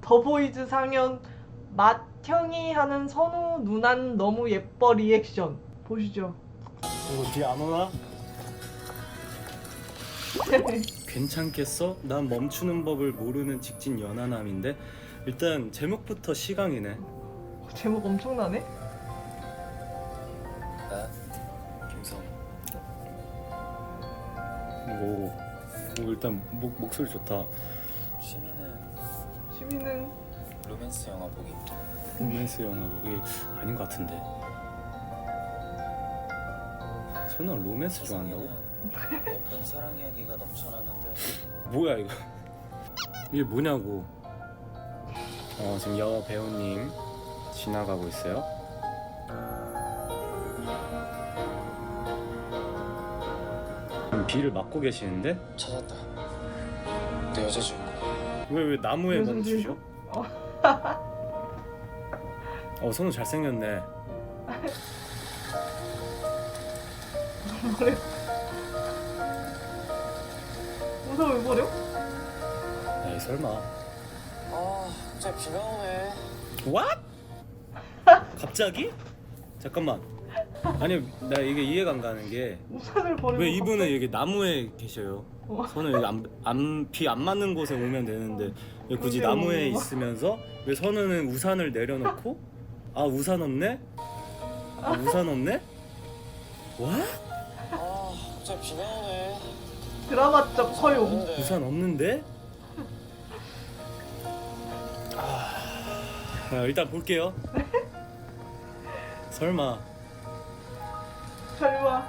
더보이즈 상연 맏형이 하는 선우 누난 너무 예뻐 리액션 보시죠. 이거 뒤에 안 오나? 괜찮겠어? 난 멈추는 법을 모르는 직진 연하남인데 일단 제목부터 시강이네. 제목 엄청나네. 나 김성. 오 일단 목소리 좋다. 취미는 로맨스 영화 보기. 로맨스 영화 보기 아닌 것 같은데. 선우가 로맨스 좋아한다고? 예쁜 사랑 이야기가 넘쳐나는데. 뭐야 이거? 이게 뭐냐고. 지금 여 배우님 지나가고 있어요. 비를 맞고 계시는데? 찾았다. 내 여자 주인공. 왜 나무에 무슨 멈추죠? 선우 잘생겼네. 버려. 무서워 왜 버려? 에이 설마. 갑자기 비가 오네. What? 갑자기? 잠깐만. 아니 나 이게 이해가 안 가는 게 우산을 버리고 왜 이분은 갑자기- 여기 나무에 계셔요? 저는 여기 비 안 맞는 곳에 오면 되는데 왜 굳이 그러게요. 나무에 있으면서 왜 선우는 우산을 내려놓고 우산 없네? 우산 없네? 와? 갑자기 비가 오네. 드라마적 허용. 우산 없는데? 일단 볼게요. 설마. 설마.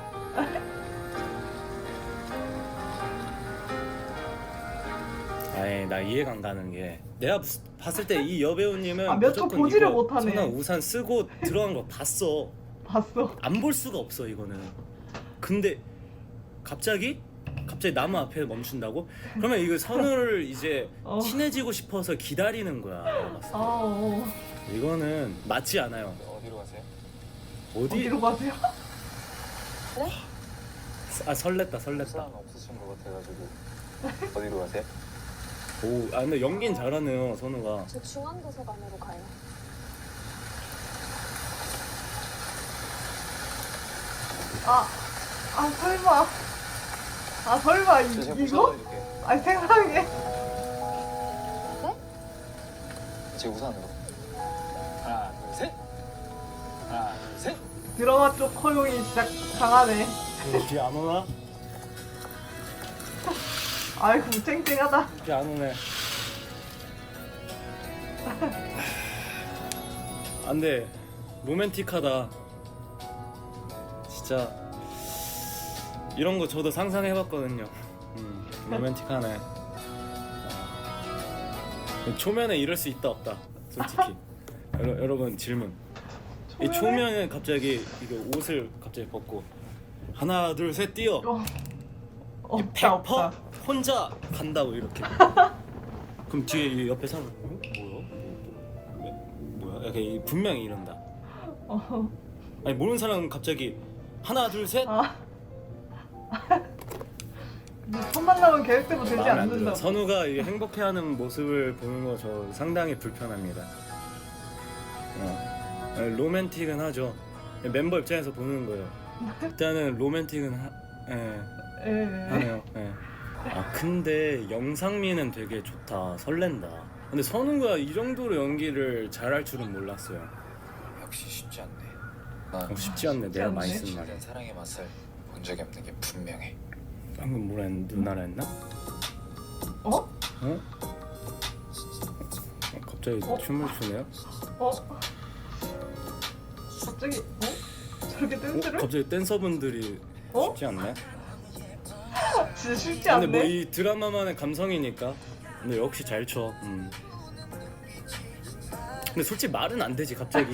아니 나 이해가 안 가는 게 내가 봤을 때 이 여배우님은 몇 초 무조건 보지를 이거 못하네. 선아 우산 쓰고 들어간 거 봤어. 봤어. 안 볼 수가 없어 이거는. 근데 갑자기 나무 앞에 멈춘다고? 그러면 이거 선우를 이제 친해지고 싶어서 기다리는 거야. 내가 봤을 때. 이거는 맞지 않아요. 어디로 가세요? 어디로 가세요? 설렜다. 사람 없으신 것 같아가지고. 어디로 가세요? 근데 연기는 잘하네요 선우가. 저 중앙도서관으로 가요. 설마. 설마 제가 이거? 우산 드릴게요. 세상에. 제 우산으로. 하나, 둘, 셋. 하나, 둘, 셋. 드라마 쪽 허용이 진짜 강하네. 비 안 오나? 아이고 쨍쨍하다. 비 안 오네. 안돼. 로맨틱하다. 진짜 이런 거 저도 상상해봤거든요. 로맨틱하네. 초면에 이럴 수 있다 없다 솔직히. 여러분 질문. 이 초면에 갑자기 이거 옷을 갑자기 벗고 하나 둘 셋 뛰어. 없다 없다. 혼자 간다고 이렇게. 그럼 뒤에 이 옆에 사람 뭐야? 약간 분명히 이런다. 아니 모르는 사람은 갑자기 하나 둘 셋. 첫 만남은 계획대로 되지 마음에 안 않는다. 들어요. 선우가 이 행복해하는 모습을 보는 거 저 상당히 불편합니다. 로맨틱은 하죠. 멤버 입장에서 보는 거예요. 일단은 로맨틱은 하네요. 예. 근데 영상미는 되게 좋다. 설렌다. 근데 선우가 이 정도로 연기를 잘할 줄은 몰랐어요. 역시 쉽지 않네. 난 쉽지 않네. 내가 많이 쓴 진실된 말이야. 사랑의 맛을 본 적이 없는 게 분명해. 방금 뭐라 했나? 누나라 했나? 갑자기 춤을 추네요? 갑자기 저렇게 댄스를? 갑자기 댄서분들이 쉽지 않네. 진짜 쉽지 근데 않네. 뭐 이 드라마만의 감성이니까. 근데 역시 잘 춰. 근데 솔직히 말은 안 되지. 갑자기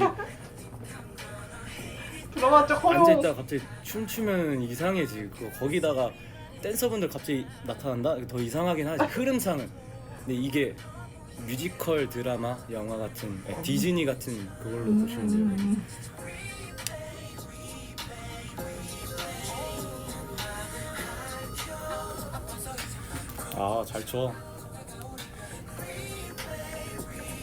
드라마 쪽 허용. 앉아있다가 갑자기 춤추면 이상해지. 거기다가 댄서분들 갑자기 나타난다? 더 이상하긴 하지. 흐름상은. 근데 이게 뮤지컬 드라마, 영화 같은 디즈니 같은 그걸로 보시면 돼요. 잘 쳐.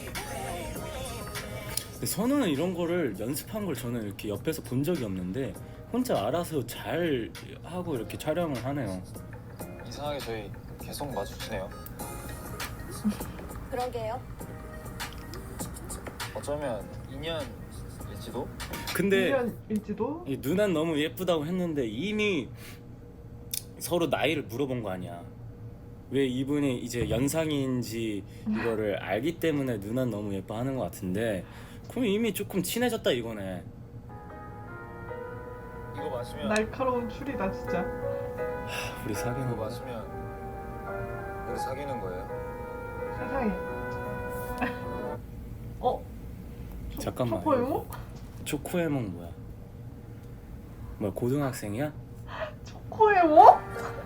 근데 선우는 이런 거를 연습한 걸 저는 이렇게 옆에서 본 적이 없는데 혼자 알아서 잘 하고 이렇게 촬영을 하네요. 이상하게 저희 계속 마주치네요. 그러게요. 어쩌면 인연일지도? 근데 1년일지도? 이 누난 너무 예쁘다고 했는데 이미 서로 나이를 물어본 거 아니야. 왜 이분이 이제 연상인지 이거를 알기 때문에 누난 너무 예뻐하는 것 같은데 그럼 이미 조금 친해졌다 이거네. 이거 마시면 날카로운 추리다 진짜. 우리 사귀는 이거 거 마시면 우리 사귀는 거예요? 세상에. 어? 잠깐만. 초코에모? 초코에몽 뭐야? 뭐야 고등학생이야? 초코에모?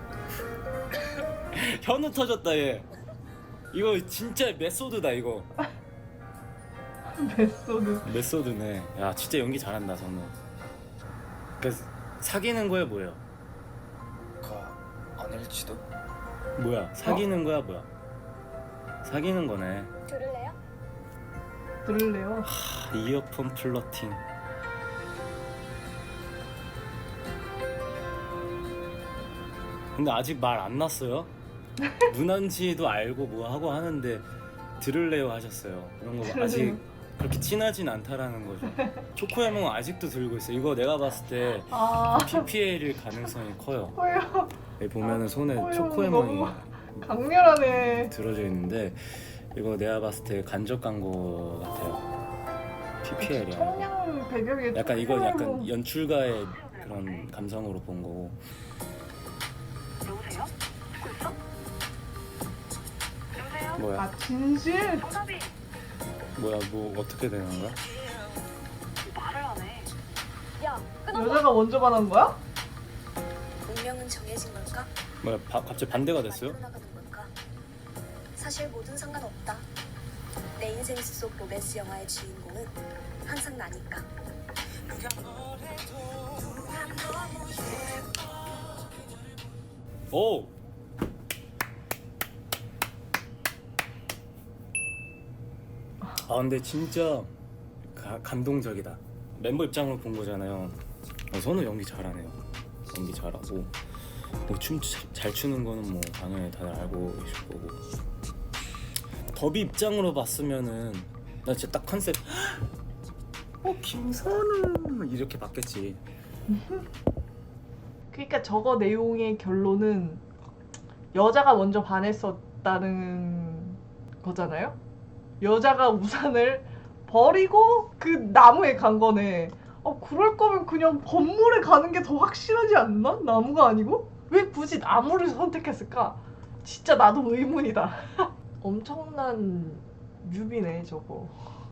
현우 터졌다 얘. 이거 진짜 메소드다 이거. 메소드. 메소드네. 야 진짜 연기 잘한다 선우. 그래서 사귀는 거야 뭐야? 아닐지도? 뭐야 사귀는 거야 뭐야? 사귀는 거네. 들을래요? 들을래요? 하, 이어폰 플러팅. 근데 아직 말 안 났어요? 누난지도 알고 뭐 하고 하는데 들을래요 하셨어요. 그런 거 아직 그렇게 친하진 않다라는 거죠. 초코에몽 아직도 들고 있어. 이거 내가 봤을 때 아, PPL일 가능성이 커요. 초코에모. 여기 보면은 손에 초코에몽 초코에몽이 너무 강렬하네. 들어져 있는데 이거 내가 봤을 때 간접 광고 같아요. PPL이야. 청량 배경에 약간 이건 약간 초코에몽. 연출가의 그런 감성으로 본 거고. 여보세요? 듣고 있어? 여보세요? 뭐야? 아 진실? 정답이 뭐야? 뭐 어떻게 되는 거야? 말을 안 해. 야, 끊어봐. 여자가 먼저 반한 거야? 운명은 정해진 걸까? 뭐야? 갑자기 반대가 됐어요? 만들어 나가는 걸까? 사실 뭐든 상관없다. 내 인생 속 로맨스 영화의 주인공은 항상 나니까. 오! 아 근데 진짜 감동적이다. 멤버 입장으로 본 거잖아요. 선우 연기 잘하네요. 연기 잘하고 뭐 춤 잘 추는 거는 뭐 당연히 다들 알고 계실 거고. 더비 입장으로 봤으면은 나 진짜 딱 컨셉 김선우 이렇게 봤겠지. 그러니까 저거 내용의 결론은 여자가 먼저 반했었다는 거잖아요? 여자가 우산을 버리고 그 나무에 간 거네. 그럴 거면 그냥 건물에 가는 게 더 확실하지 않나? 나무가 아니고? 왜 굳이 나무를 선택했을까? 진짜 나도 의문이다. 엄청난 뮤비네 저거.